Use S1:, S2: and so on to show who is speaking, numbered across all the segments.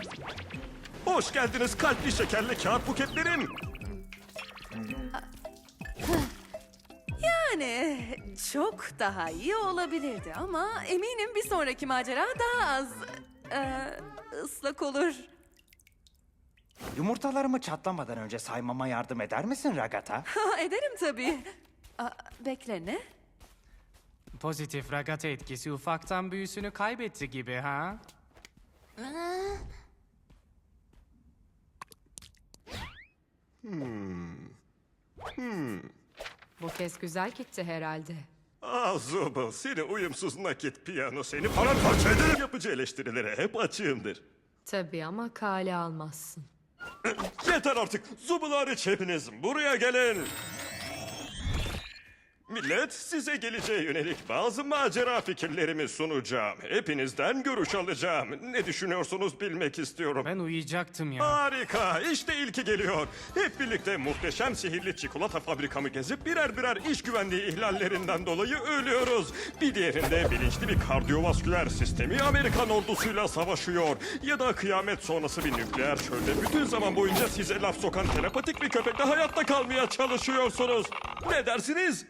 S1: Hoş geldiniz kalpli şekerli kağıt buketlerim.
S2: Yani çok daha iyi olabilirdi ama eminim bir sonraki macera daha az ıslak olur.
S3: Yumurtalarımı çatlamadan önce saymama yardım eder misin Ragata?
S2: Ha, ederim tabii. Bekle ne?
S4: Pozitif Ragata etkisi ufaktan büyüsünü kaybetti gibi ha?
S5: Bu kez güzel gitti herhalde.
S1: Zubul, seni uyumsuz nakit piyano seni paramparça ederim. Yapıcı eleştirilere hep açığımdır.
S5: Tabii ama kale almazsın.
S1: Yeter artık. Zubul hariç hepiniz buraya gelin. Millet, size geleceğe yönelik bazı macera fikirlerimi sunacağım. Hepinizden görüş alacağım. Ne düşünüyorsunuz bilmek istiyorum.
S4: Ben uyuyacaktım ya.
S1: Harika, işte ilki geliyor. Hep birlikte muhteşem sihirli çikolata fabrikamı gezip birer birer iş güvenliği ihlallerinden dolayı ölüyoruz. Bir diğerinde bilinçli bir kardiyovasküler sistemi Amerikan ordusuyla savaşıyor. Ya da kıyamet sonrası bir nükleer çölde bütün zaman boyunca size laf sokan telepatik bir köpekle hayatta kalmaya çalışıyorsunuz. Ne dersiniz?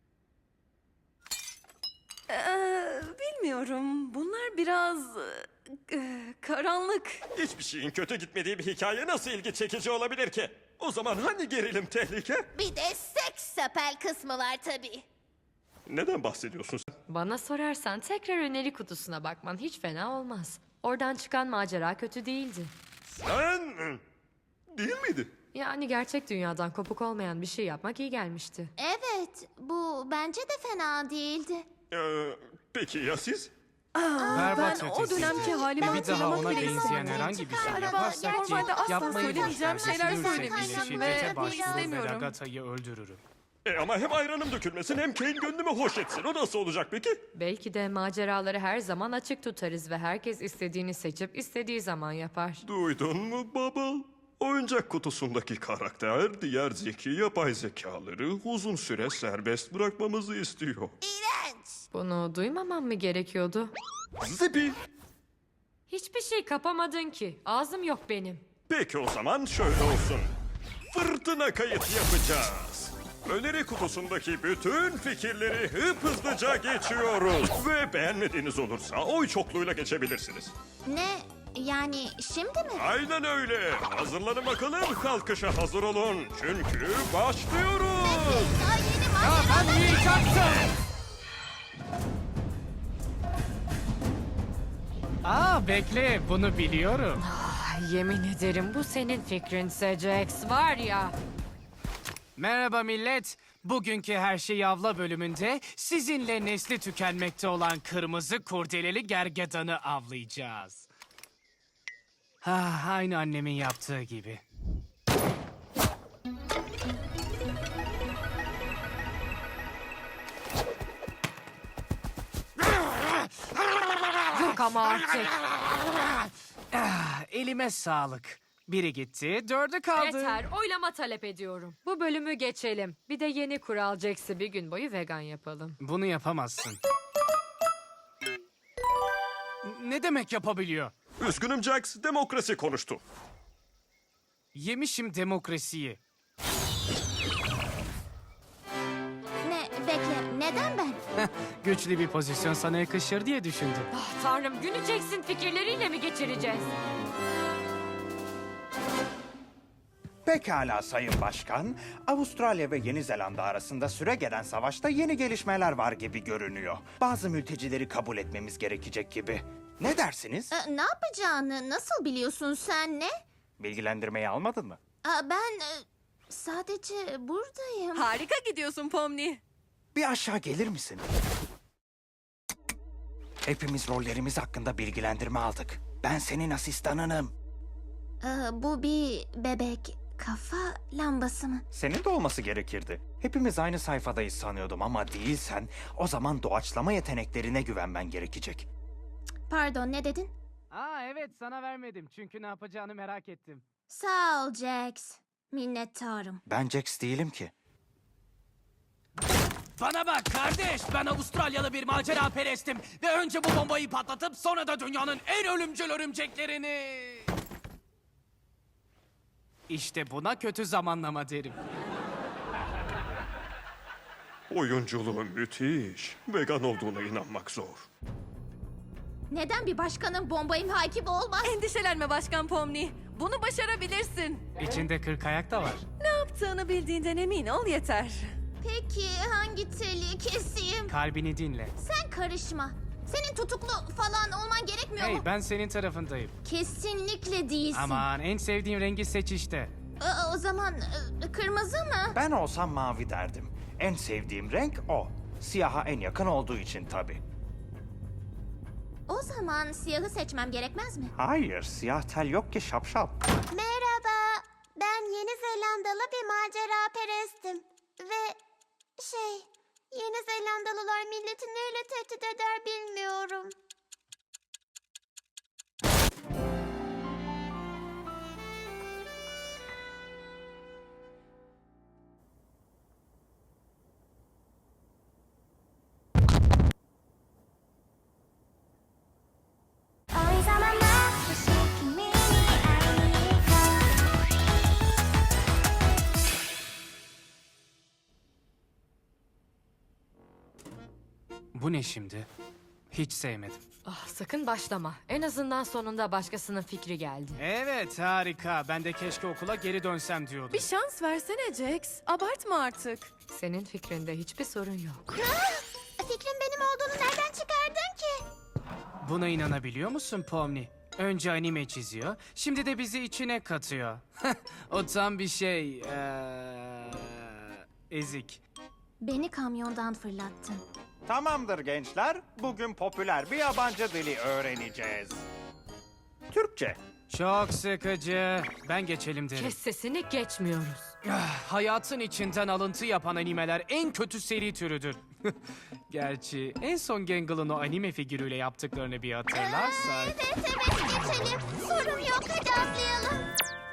S2: Bilmiyorum. Bunlar biraz karanlık.
S1: Hiçbir şeyin kötü gitmediği bir hikaye nasıl ilgi çekici olabilir ki? O zaman hani gerilim tehlike?
S6: Bir de seks sapel kısmı var tabii.
S1: Neden bahsediyorsun sen?
S5: Bana sorarsan tekrar öneri kutusuna bakman hiç fena olmaz. Oradan çıkan macera kötü değildi.
S1: Sen... Değil miydi?
S5: Yani gerçek dünyadan kopuk olmayan bir şey yapmak iyi gelmişti.
S6: Evet, bu bence de fena değildi.
S1: Peki ya siz?
S4: Berbat
S2: Ben o
S4: ötesiydi.
S2: dönemki halimi
S4: Bir daha
S2: hatırlamak
S4: ona
S2: bile
S4: benzeyen
S2: istemiyorum.
S4: herhangi bir şey
S6: Araba
S4: yaparsak ki
S2: normalde asla
S4: yapmayı
S2: söylemeyeceğim
S4: boş ver.
S2: şeyler
S4: Düşünürsek bile
S2: söylemişim
S4: şiddete
S2: ve
S4: başvurur ve
S2: istemiyorum.
S4: Ragata'yı öldürürüm.
S1: Ama hem ayranım dökülmesin hem Kane gönlümü hoş etsin. O nasıl olacak peki?
S5: Belki de maceraları her zaman açık tutarız ve herkes istediğini seçip istediği zaman yapar.
S1: Duydun mu Bubble? Oyuncak kutusundaki karakter diğer zeki yapay zekaları uzun süre serbest bırakmamızı istiyor.
S6: İğrenç.
S5: Bunu duymamam mı gerekiyordu?
S1: Zipi.
S5: Hiçbir şey kapamadın ki. Ağzım yok benim.
S1: Peki o zaman şöyle olsun. Fırtına kayıt yapacağız. Öneri kutusundaki bütün fikirleri hızlıca geçiyoruz. Ve beğenmediğiniz olursa oy çokluğuyla geçebilirsiniz.
S6: Ne? Yani şimdi mi?
S1: Aynen öyle. Hazırlanın bakalım, kalkışa hazır olun. Çünkü başlıyoruz.
S6: Daha yeni macera.
S4: Bekle, bunu biliyorum.
S5: Yemin ederim bu senin fikrinse Jax var ya.
S4: Merhaba millet. Bugünkü Her Şeyi Avla bölümünde sizinle nesli tükenmekte olan kırmızı kurdeleli gergedanı avlayacağız. Aynı annemin yaptığı gibi.
S5: Yok ama artık.
S4: Elime sağlık. Biri gitti, dördü kaldı.
S5: Yeter, oylama talep ediyorum. Bu bölümü geçelim. Bir de yeni kural Jax'i bir gün boyu vegan yapalım.
S4: Bunu yapamazsın. Ne demek yapabiliyor?
S1: Üzgünüm Jax, demokrasi konuştu.
S4: Yemişim demokrasiyi.
S6: Ne? Bekle, neden ben?
S4: Güçlü bir pozisyon sana yakışır diye düşündüm.
S5: Ah tanrım, günü Jax'in fikirleriyle mi geçireceğiz?
S3: Pekala Sayın Başkan. Avustralya ve Yeni Zelanda arasında süregelen savaşta yeni gelişmeler var gibi görünüyor. Bazı mültecileri kabul etmemiz gerekecek gibi. Ne dersiniz?
S6: Ne yapacağını nasıl biliyorsun sen ne?
S3: Bilgilendirmeyi almadın mı?
S6: Ben sadece buradayım.
S2: Harika gidiyorsun Pomni.
S3: Bir aşağı gelir misin? Hepimiz rollerimiz hakkında bilgilendirme aldık. Ben senin asistanınım.
S6: Bu bir bebek kafa lambası mı?
S3: Senin de olması gerekirdi. Hepimiz aynı sayfadayız sanıyordum ama değilsen o zaman doğaçlama yeteneklerine güvenmen gerekecek.
S6: Pardon, ne dedin?
S4: Evet, sana vermedim çünkü ne yapacağını merak ettim.
S6: Sağ ol Jax. Minnettarım.
S3: Ben Jax değilim ki.
S7: Bana bak kardeş, ben Avustralyalı bir macera perestim ve önce bu bombayı patlatıp sonra da dünyanın en ölümcül örümceklerini...
S4: İşte buna kötü zamanlama derim.
S1: Oyunculuğu müthiş. Vegan olduğuna inanmak zor.
S6: Neden bir başkanın bomba imha ekibi olmaz?
S2: Endişelenme Başkan Pomni. Bunu başarabilirsin.
S4: İçinde 40 ayak da var.
S2: Ne yaptığını bildiğinden emin ol yeter.
S6: Peki hangi teli keseyim?
S4: Kalbini dinle.
S6: Sen karışma. Senin tutuklu falan olman gerekmiyor
S4: Hey,
S6: mu?
S4: ben senin tarafındayım.
S6: Kesinlikle değilsin.
S4: Aman, en sevdiğin rengi seç işte.
S6: O zaman kırmızı mı?
S3: Ben olsam mavi derdim. En sevdiğim renk o. Siyaha en yakın olduğu için tabii.
S6: O zaman siyahı seçmem gerekmez mi?
S3: Hayır, siyah tel yok ki şapşal.
S6: Merhaba. Ben Yeni Zelandalı bir macera perestim. Ve Yeni Zelandalılar milleti neyle tehdit eder bilmiyorum.
S4: Bu ne şimdi? Hiç sevmedim.
S5: Ah, sakın başlama. En azından sonunda başkasının fikri geldi.
S4: Evet, harika. Ben de keşke okula geri dönsem diyordum.
S2: Bir şans versene Jax. Abartma artık.
S5: Senin fikrinde hiçbir sorun yok.
S6: Fikrin benim olduğunu nereden çıkardın ki?
S4: Buna inanabiliyor musun Pomni? Önce anime çiziyor, şimdi de bizi içine katıyor. O tam bir şey... ezik.
S6: Beni kamyondan fırlattın.
S3: Tamamdır gençler, bugün popüler bir yabancı dili öğreneceğiz. Türkçe.
S4: Çok sıkıcı. Ben geçelim derim.
S5: Kes sesini, geçmiyoruz.
S4: Hayatın içinden alıntı yapan animeler en kötü seri türüdür. Gerçi en son Gangle'ın o anime figürüyle yaptıklarını bir hatırlarsak...
S6: Evet geçelim. Sorun yok, hadi atlayalım.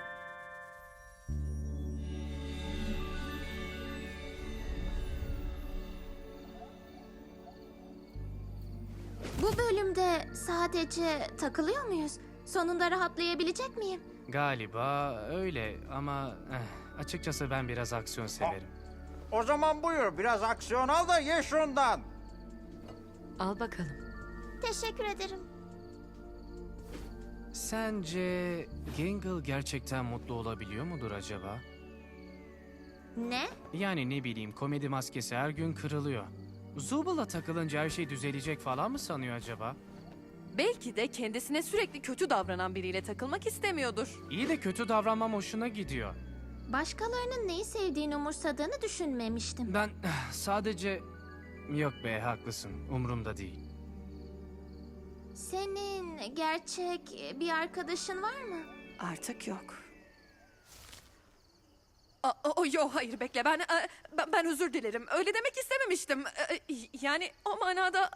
S6: Bu bölümde sadece takılıyor muyuz? Sonunda rahatlayabilecek miyim?
S4: Galiba öyle ama açıkçası ben biraz aksiyon severim.
S3: O zaman buyur, biraz aksiyon al da ye şundan.
S5: Al bakalım.
S6: Teşekkür ederim.
S4: Sence Gangle gerçekten mutlu olabiliyor mudur acaba?
S6: Ne?
S4: Yani ne bileyim, komedi maskesi her gün kırılıyor. Zubal'a takılınca her şey düzelecek falan mı sanıyor acaba?
S2: Belki de kendisine sürekli kötü davranan biriyle takılmak istemiyordur.
S4: İyi de kötü davranmam hoşuna gidiyor.
S6: Başkalarının neyi sevdiğini umursadığını düşünmemiştim.
S4: Ben sadece... Yok be, haklısın. Umurumda değil.
S6: Senin gerçek bir arkadaşın var mı?
S2: Artık yok. Yok hayır bekle ben özür dilerim. Öyle demek istememiştim. Yani o manada...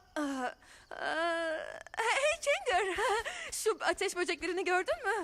S2: Hey Kinger, şu ateş böceklerini gördün mü?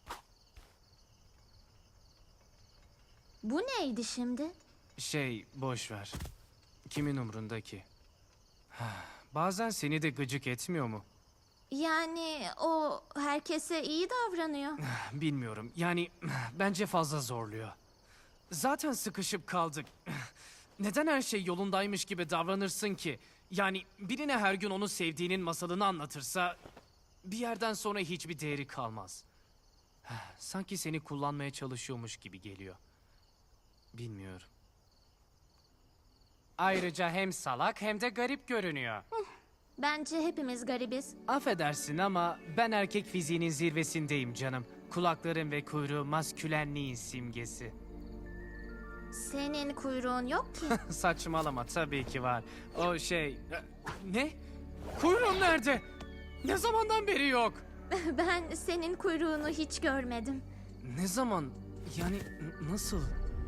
S6: Bu neydi şimdi?
S4: Boş ver. Kimin umrunda ki? Bazen seni de gıcık etmiyor mu?
S6: Yani o herkese iyi davranıyor.
S4: Bilmiyorum. Yani bence fazla zorluyor. Zaten sıkışıp kaldık. Neden her şey yolundaymış gibi davranırsın ki? Yani birine her gün onu sevdiğinin masalını anlatırsa... ...bir yerden sonra hiçbir değeri kalmaz. Sanki seni kullanmaya çalışıyormuş gibi geliyor. Bilmiyorum. Ayrıca hem salak hem de garip görünüyor.
S6: Bence hepimiz garibiz.
S4: Affedersin ama ben erkek fiziğinin zirvesindeyim canım. Kulaklarım ve kuyruğu maskülenliğin simgesi.
S6: Senin kuyruğun yok ki.
S4: Saçmalama, tabii ki var. Ne? Kuyruğum nerede? Ne zamandan beri yok?
S6: Ben senin kuyruğunu hiç görmedim.
S4: Ne zaman? Yani nasıl?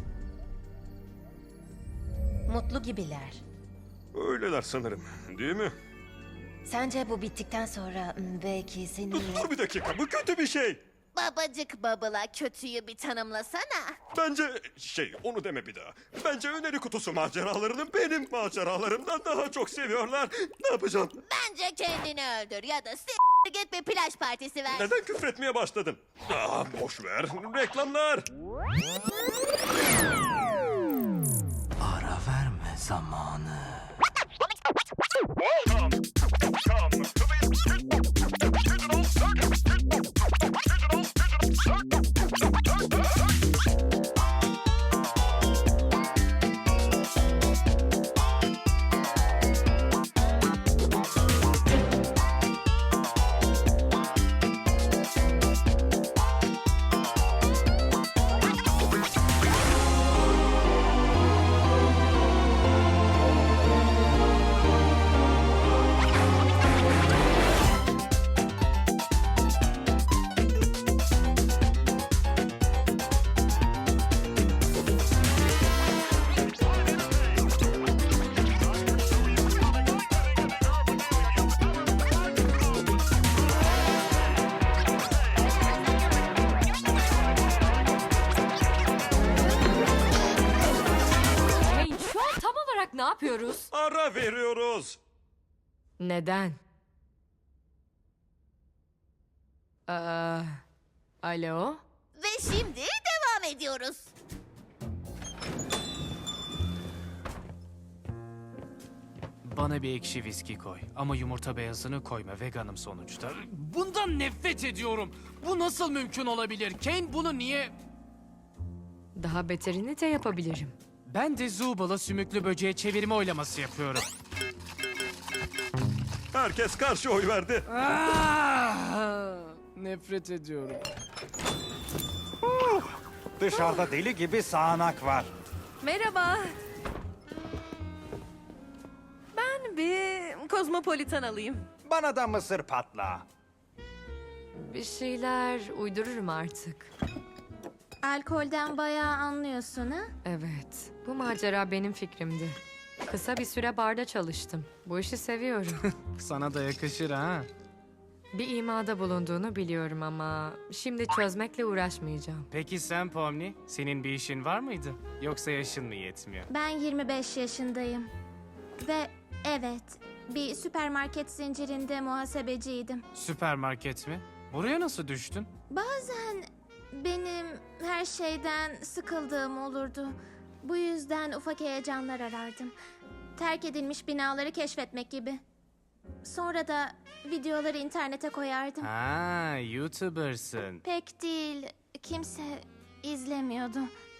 S8: Mutlu gibiler.
S1: Öyleler sanırım, değil mi?
S8: Sence bu bittikten sonra belki seninle...
S1: Dur bir dakika, bu kötü bir şey.
S6: Babacık babala kötüyü bir tanımlasana.
S1: Bence onu deme bir daha. Bence öneri kutusu maceralarını benim maceralarımdan daha çok seviyorlar. Ne yapacağım?
S6: Bence kendini öldür ya da spagetti ve plaj partisi ver.
S1: Neden küfretmeye başladın? Boş ver. Reklamlar.
S7: Ara verme zamanı.
S5: Hey, şu an tam olarak ne yapıyoruz?
S1: Ara veriyoruz.
S5: Neden? Alo?
S6: Ve şimdi devam ediyoruz.
S4: Bana bir ekşi viski koy. Ama yumurta beyazını koyma. Veganım sonuçta. Bundan nefret ediyorum. Bu nasıl mümkün olabilir? Kane bunu niye...
S5: Daha beterini de yapabilirim.
S4: Ben de Zubal'a sümüklü böceğe çevirme oylaması yapıyorum.
S1: Herkes karşı oy verdi.
S4: Nefret ediyorum.
S3: Dışarıda deli gibi sağanak var.
S2: Merhaba. Ben bir kozmopolitan alayım.
S3: Bana da mısır patla.
S5: Bir şeyler uydururum artık.
S6: Alkolden bayağı anlıyorsun ha?
S5: Evet, bu macera benim fikrimdi. Kısa bir süre barda çalıştım. Bu işi seviyorum.
S4: Sana da yakışır ha.
S5: Bir imada bulunduğunu biliyorum ama şimdi çözmekle uğraşmayacağım.
S4: Peki sen Pomni, senin bir işin var mıydı? Yoksa yaşın mı yetmiyor?
S6: Ben 25 yaşındayım. Ve evet, bir süpermarket zincirinde muhasebeciydim.
S4: Süpermarket mi? Buraya nasıl düştün?
S6: Bazen benim her şeyden sıkıldığım olurdu. Bu yüzden ufak heyecanlar arardım. Terk edilmiş binaları keşfetmek gibi. Sonra da videoları internete koyardım.
S4: Ha, YouTuber'sın.
S6: Pek değil, kimse izlemiyordu.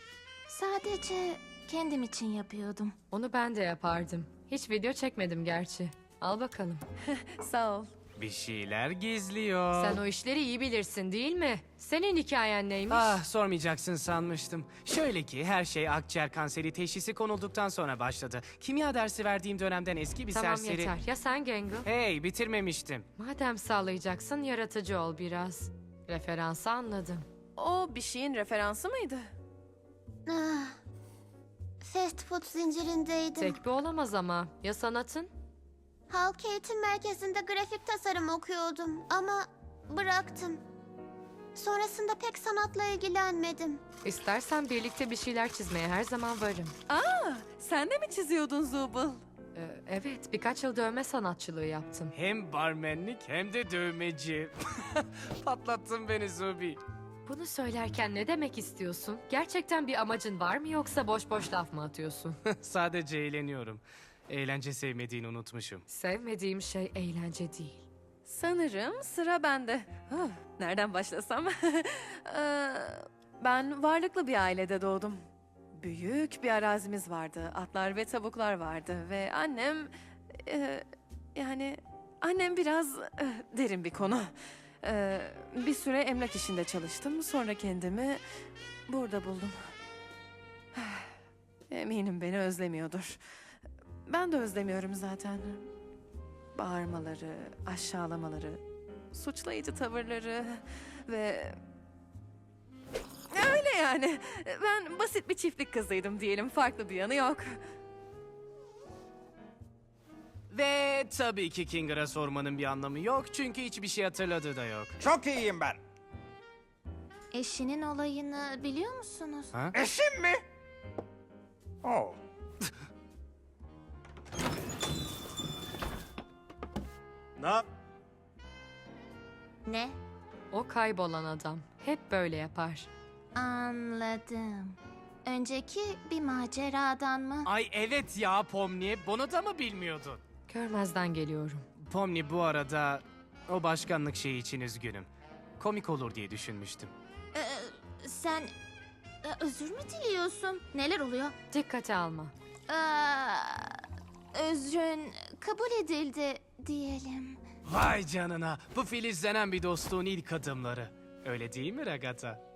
S6: Sadece kendim için yapıyordum.
S5: Onu ben de yapardım. Hiç video çekmedim gerçi. Al bakalım.
S2: Sağ ol.
S4: Bir şeyler gizliyor.
S5: Sen o işleri iyi bilirsin değil mi? Senin hikayen neymiş?
S4: Ah, sormayacaksın sanmıştım. Şöyle ki her şey akciğer kanseri teşhisi konulduktan sonra başladı. Kimya dersi verdiğim dönemden eski bir
S5: Tamam
S4: serseri...
S5: yeter. Ya sen Gengo?
S4: Hey, bitirmemiştim.
S5: Madem sağlayacaksın yaratıcı ol biraz. Referansı anladım.
S2: O bir şeyin referansı mıydı?
S6: Ah, fast food zincirindeydim.
S5: Tek bir olamaz ama. Ya sanatın?
S6: Halk eğitim merkezinde grafik tasarım okuyordum ama bıraktım. Sonrasında pek sanatla ilgilenmedim.
S5: İstersen birlikte bir şeyler çizmeye her zaman varım.
S2: Sen de mi çiziyordun Zubul?
S5: Evet, birkaç yıl dövme sanatçılığı yaptım.
S4: Hem barmenlik hem de dövmeci. Patlattın beni Zubi.
S5: Bunu söylerken ne demek istiyorsun? Gerçekten bir amacın var mı yoksa boş boş laf mı atıyorsun?
S4: Sadece eğleniyorum. Eğlence sevmediğini unutmuşum.
S5: Sevmediğim şey eğlence değil.
S2: Sanırım sıra bende. Nereden başlasam? Ben varlıklı bir ailede doğdum. Büyük bir arazimiz vardı. Atlar ve tavuklar vardı. Ve annem... yani annem biraz derin bir konu. Bir süre emlak işinde çalıştım. Sonra kendimi burada buldum. Eminim beni özlemiyordur. Ben de özlemiyorum zaten. Bağırmaları, aşağılamaları, suçlayıcı tavırları ve... Öyle yani. Ben basit bir çiftlik kızıydım diyelim. Farklı bir yanı yok.
S4: Ve tabii ki Kinger'a sormanın bir anlamı yok çünkü hiçbir şey hatırladığı da yok.
S3: Çok iyiyim ben.
S6: Eşinin olayını biliyor musunuz?
S4: Ha?
S3: Eşim mi? Oh.
S6: Ne?
S5: O kaybolan adam hep böyle yapar.
S6: Anladım. Önceki bir maceradan mı?
S4: Ay evet ya Pomni, bunu da mı bilmiyordun?
S5: Görmezden geliyorum.
S4: Pomni, bu arada o başkanlık şeyi için üzgünüm. Komik olur diye düşünmüştüm.
S6: Sen özür mü diliyorsun? Neler oluyor?
S5: Dikkate alma.
S6: Özrün kabul edildi diyelim.
S4: Vay canına, bu filizlenen bir dostluğun ilk adımları. Öyle değil mi Ragata?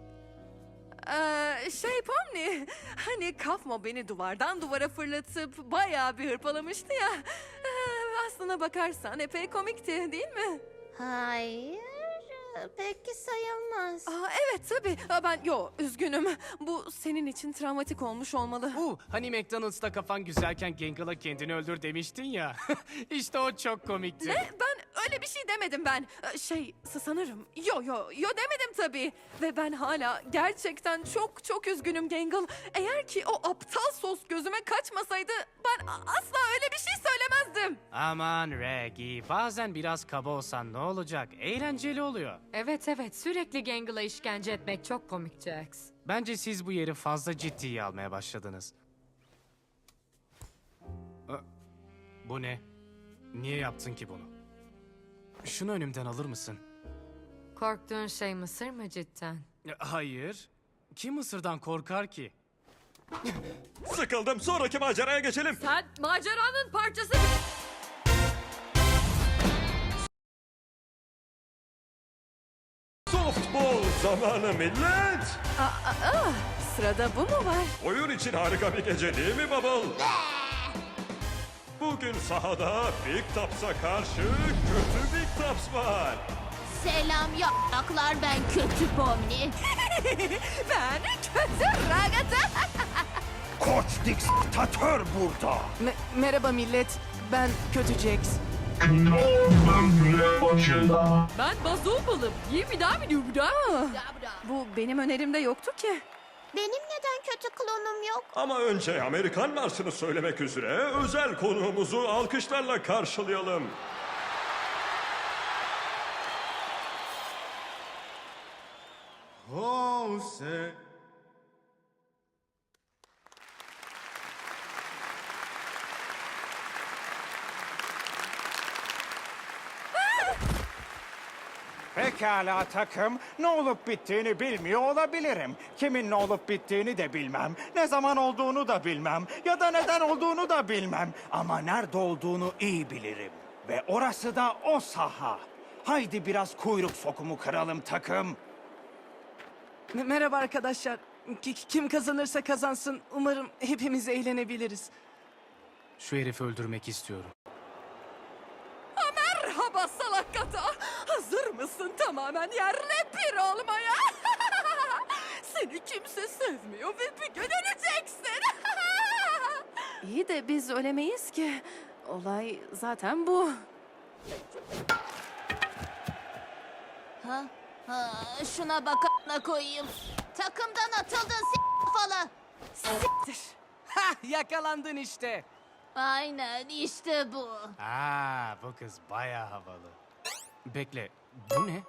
S2: Pomni, hani Kafmo beni duvardan duvara fırlatıp bayağı bir hırpalamıştı ya. Aslına bakarsan epey komikti değil mi?
S6: Hayır, peki sayılmaz.
S2: Evet tabii. Üzgünüm. Bu senin için travmatik olmuş olmalı.
S4: Hani McDonald's'ta kafan güzelken Gengal'a kendini öldür demiştin ya. İşte o çok komikti.
S2: Ben öyle bir şey demedim ben. Sanırım. Yo demedim tabii. Ve ben hala gerçekten çok çok üzgünüm Gangle. Eğer ki o aptal sos gözüme kaçmasaydı ben asla öyle bir şey söylemezdim.
S4: Aman Reggie, bazen biraz kaba olsan ne olacak? Eğlenceli oluyor.
S5: Evet sürekli Gangle'a işkence etmek çok komik Jax.
S4: Bence siz bu yeri fazla ciddiye almaya başladınız. Bu ne? Niye yaptın ki bunu? Şunu önümden alır mısın?
S5: Korktuğun şey mısır mı cidden?
S4: Hayır. Kim Mısır'dan korkar ki?
S1: Sıkıldım, sonraki maceraya geçelim.
S5: Sen maceranın parçası...
S1: Softball zamanı millet.
S2: Sırada bu mu var?
S1: Oyun için harika bir gece değil mi Bubble? Bugün sahada Big Tops'a karşı kötü Big Tops var.
S6: Selam yapraklar, ben kötü Pomni.
S2: Ben kötü Ragata.
S3: Koç diktatör burada.
S9: Merhaba millet, ben Kötü Jax.
S5: Ben Bazoobal'ım.
S2: Bu benim önerimde yoktu ki.
S6: Benim neden kötü klonum yok?
S1: Ama önce Amerikan marşını söylemek üzere özel konuğumuzu alkışlarla karşılayalım.
S3: Pekala takım, ne olup bittiğini bilmiyor olabilirim. Kimin ne olup bittiğini de bilmem. Ne zaman olduğunu da bilmem. Ya da neden olduğunu da bilmem. Ama nerede olduğunu iyi bilirim. Ve orası da o saha. Haydi biraz kuyruk sokumu kıralım takım.
S9: Merhaba arkadaşlar. Kim kazanırsa kazansın, umarım hepimiz eğlenebiliriz.
S4: Şu herifi öldürmek istiyorum.
S2: Merhaba salakata. Hazır mısın tamamen yerle bir olmaya? Seni kimse sevmiyor ve bir gün öleceksin. İyi de biz ölemeyiz ki. Olay zaten bu.
S6: Şuna bak a**ına koyayım. Takımdan atıldın kafalı.
S2: Siktir.
S4: Yakalandın işte.
S6: Aynen işte bu.
S4: Bu kız bayağı havalı. Bekle, bu ne?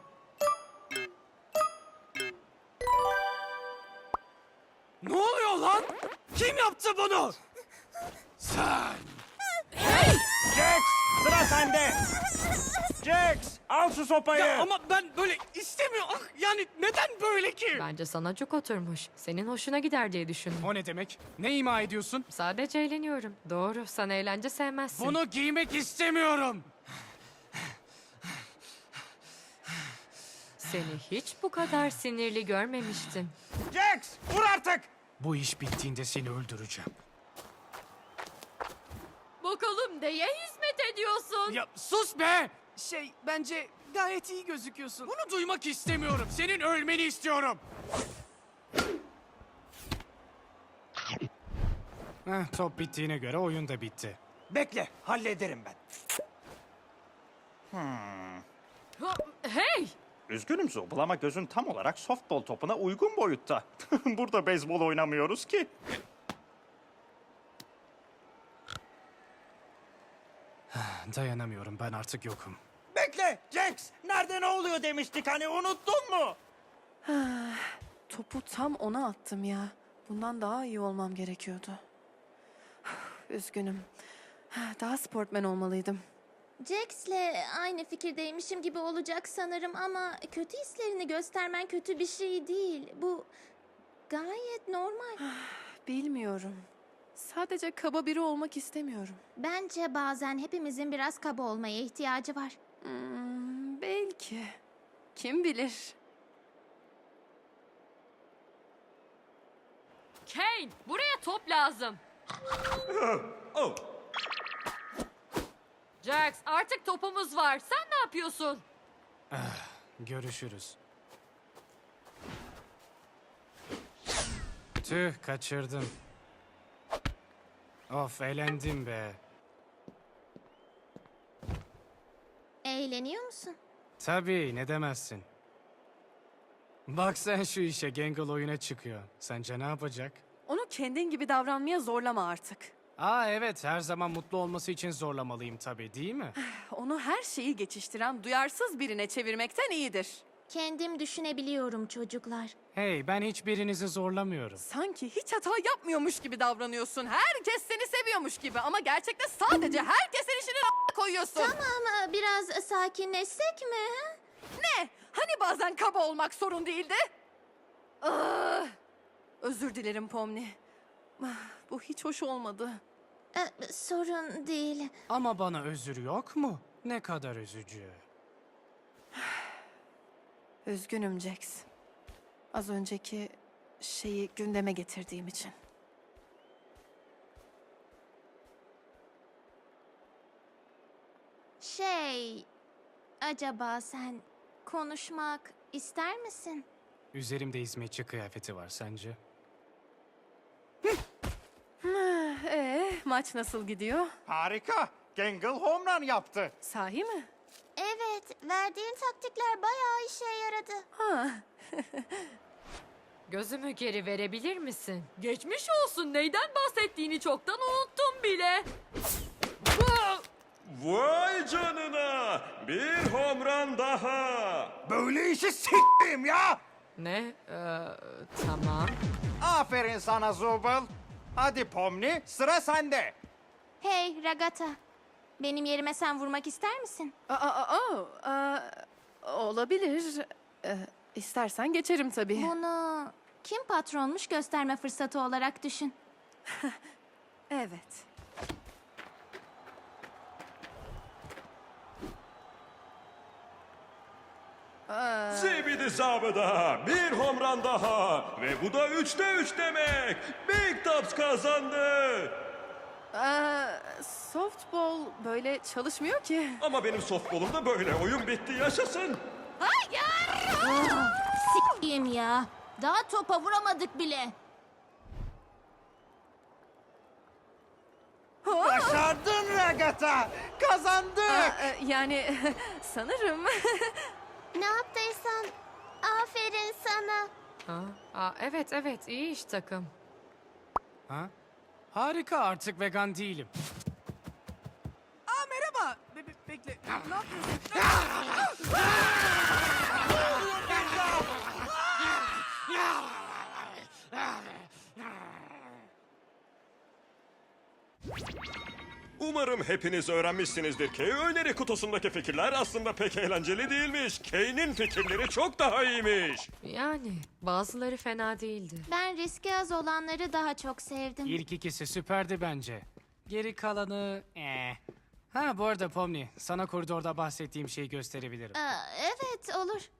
S4: Ne oluyor lan? Kim yaptı bunu? Sen!
S3: Jax, sıra sende. Jax, al şu sopayı.
S4: Ya ama ben böyle istemiyorum. Yani neden böyle ki?
S5: Bence sana cuk oturmuş. Senin hoşuna gider diye düşündüm.
S4: O ne demek? Ne ima ediyorsun?
S5: Sadece eğleniyorum. Doğru, sen eğlence sevmezsin.
S4: Bunu giymek istemiyorum.
S5: Seni hiç bu kadar sinirli görmemiştim.
S3: Jax, vur artık.
S4: Bu iş bittiğinde seni öldüreceğim.
S5: Bakalım neye hizmet ediyorsun?
S4: Ya sus be!
S9: Bence gayet iyi gözüküyorsun.
S4: Bunu duymak istemiyorum. Senin ölmeni istiyorum. Top bittiğine göre oyun da bitti.
S3: Bekle, hallederim ben.
S5: Hey!
S3: Üzgünüm Zubul ama gözün tam olarak softball topuna uygun boyutta. Burada beyzbol oynamıyoruz ki.
S4: Dayanamıyorum, ben artık yokum.
S3: Bekle Jax. Nerede ne oluyor demiştik hani unuttun mu?
S2: Topu tam ona attım ya. Bundan daha iyi olmam gerekiyordu. Üzgünüm. Daha sportmen olmalıydım.
S6: Jax'le aynı fikirdeymişim gibi olacak sanırım ama kötü hislerini göstermen kötü bir şey değil. Bu gayet normal.
S2: Bilmiyorum. Sadece kaba biri olmak istemiyorum.
S6: Bence bazen hepimizin biraz kaba olmaya ihtiyacı var.
S2: Belki. Kim bilir?
S5: Kane, buraya top lazım.
S1: Oh,
S5: Jax, artık topumuz var. Sen ne yapıyorsun?
S4: Görüşürüz. Tüh, kaçırdım. Of, eğlendim be.
S6: Eğleniyor musun?
S4: Tabii, ne demezsin. Bak sen şu işe, Gangle oyuna çıkıyor. Sence ne yapacak?
S2: Onu kendin gibi davranmaya zorlama artık.
S4: Aa evet, her zaman mutlu olması için zorlamalıyım tabii, değil mi?
S2: Onu her şeyi geçiştiren duyarsız birine çevirmekten iyidir.
S6: Kendim düşünebiliyorum çocuklar.
S4: Hey, ben hiçbirinizi zorlamıyorum.
S2: Sanki hiç hata yapmıyormuş gibi davranıyorsun. Herkes seni seviyormuş gibi ama gerçekte sadece herkesin işini koyuyorsun.
S6: Tamam, biraz sakinleşsek mi? ha?
S2: Ne? Hani bazen kaba olmak sorun değildi? Ah! Özür dilerim Pomni. Bu hiç hoş olmadı.
S6: Sorun değil.
S4: Ama bana özür yok mu? Ne kadar üzücü.
S2: Üzgünüm Jax. Az önceki şeyi gündeme getirdiğim için.
S6: Acaba sen konuşmak ister misin?
S4: Üzerimde hizmetçi kıyafeti var sence?
S2: Maç nasıl gidiyor?
S3: Harika. Gangle home run yaptı.
S2: Sahi mi?
S6: Evet, verdiğin taktikler bayağı işe yaradı.
S5: Gözümü geri verebilir misin? Geçmiş olsun. Neyden bahsettiğini çoktan unuttum bile.
S1: vay canına! Bir home run daha!
S3: Böyle işi s**tim ya.
S5: Ne? Tamam.
S3: Aferin sana Zubul. Hadi Pomni sıra sende.
S6: Hey Ragata, benim yerime sen vurmak ister misin?
S2: Olabilir. İstersen geçerim tabii.
S6: Bunu kim patronmuş gösterme fırsatı olarak düşün.
S2: Evet.
S1: Zibidi zabıda! Bir home run daha! Ve bu da 3'te 3 demek! Big Tops kazandı!
S2: Softball böyle çalışmıyor ki.
S1: Ama benim softball'umda böyle. Oyun bitti, yaşasın!
S6: S**eyim ya. Daha topa vuramadık bile.
S3: Başardın Ragata. Kazandık.
S2: Yani sanırım.
S6: Ne yaptıysan aferin sana.
S5: Evet, iyi iş takım.
S4: Ha? Harika, artık vegan değilim.
S9: Aa merhaba. Bekle. Ne yapıyorsun?
S1: Umarım hepiniz öğrenmişsinizdir ki öneri kutusundaki fikirler aslında pek eğlenceli değilmiş. Kane'in fikirleri çok daha iyiymiş.
S5: Yani bazıları fena değildi.
S6: Ben riski az olanları daha çok sevdim.
S4: İlk ikisi süperdi bence. Geri kalanı... Ha bu arada Pomni, sana koridorda bahsettiğim şeyi gösterebilirim.
S6: Evet olur.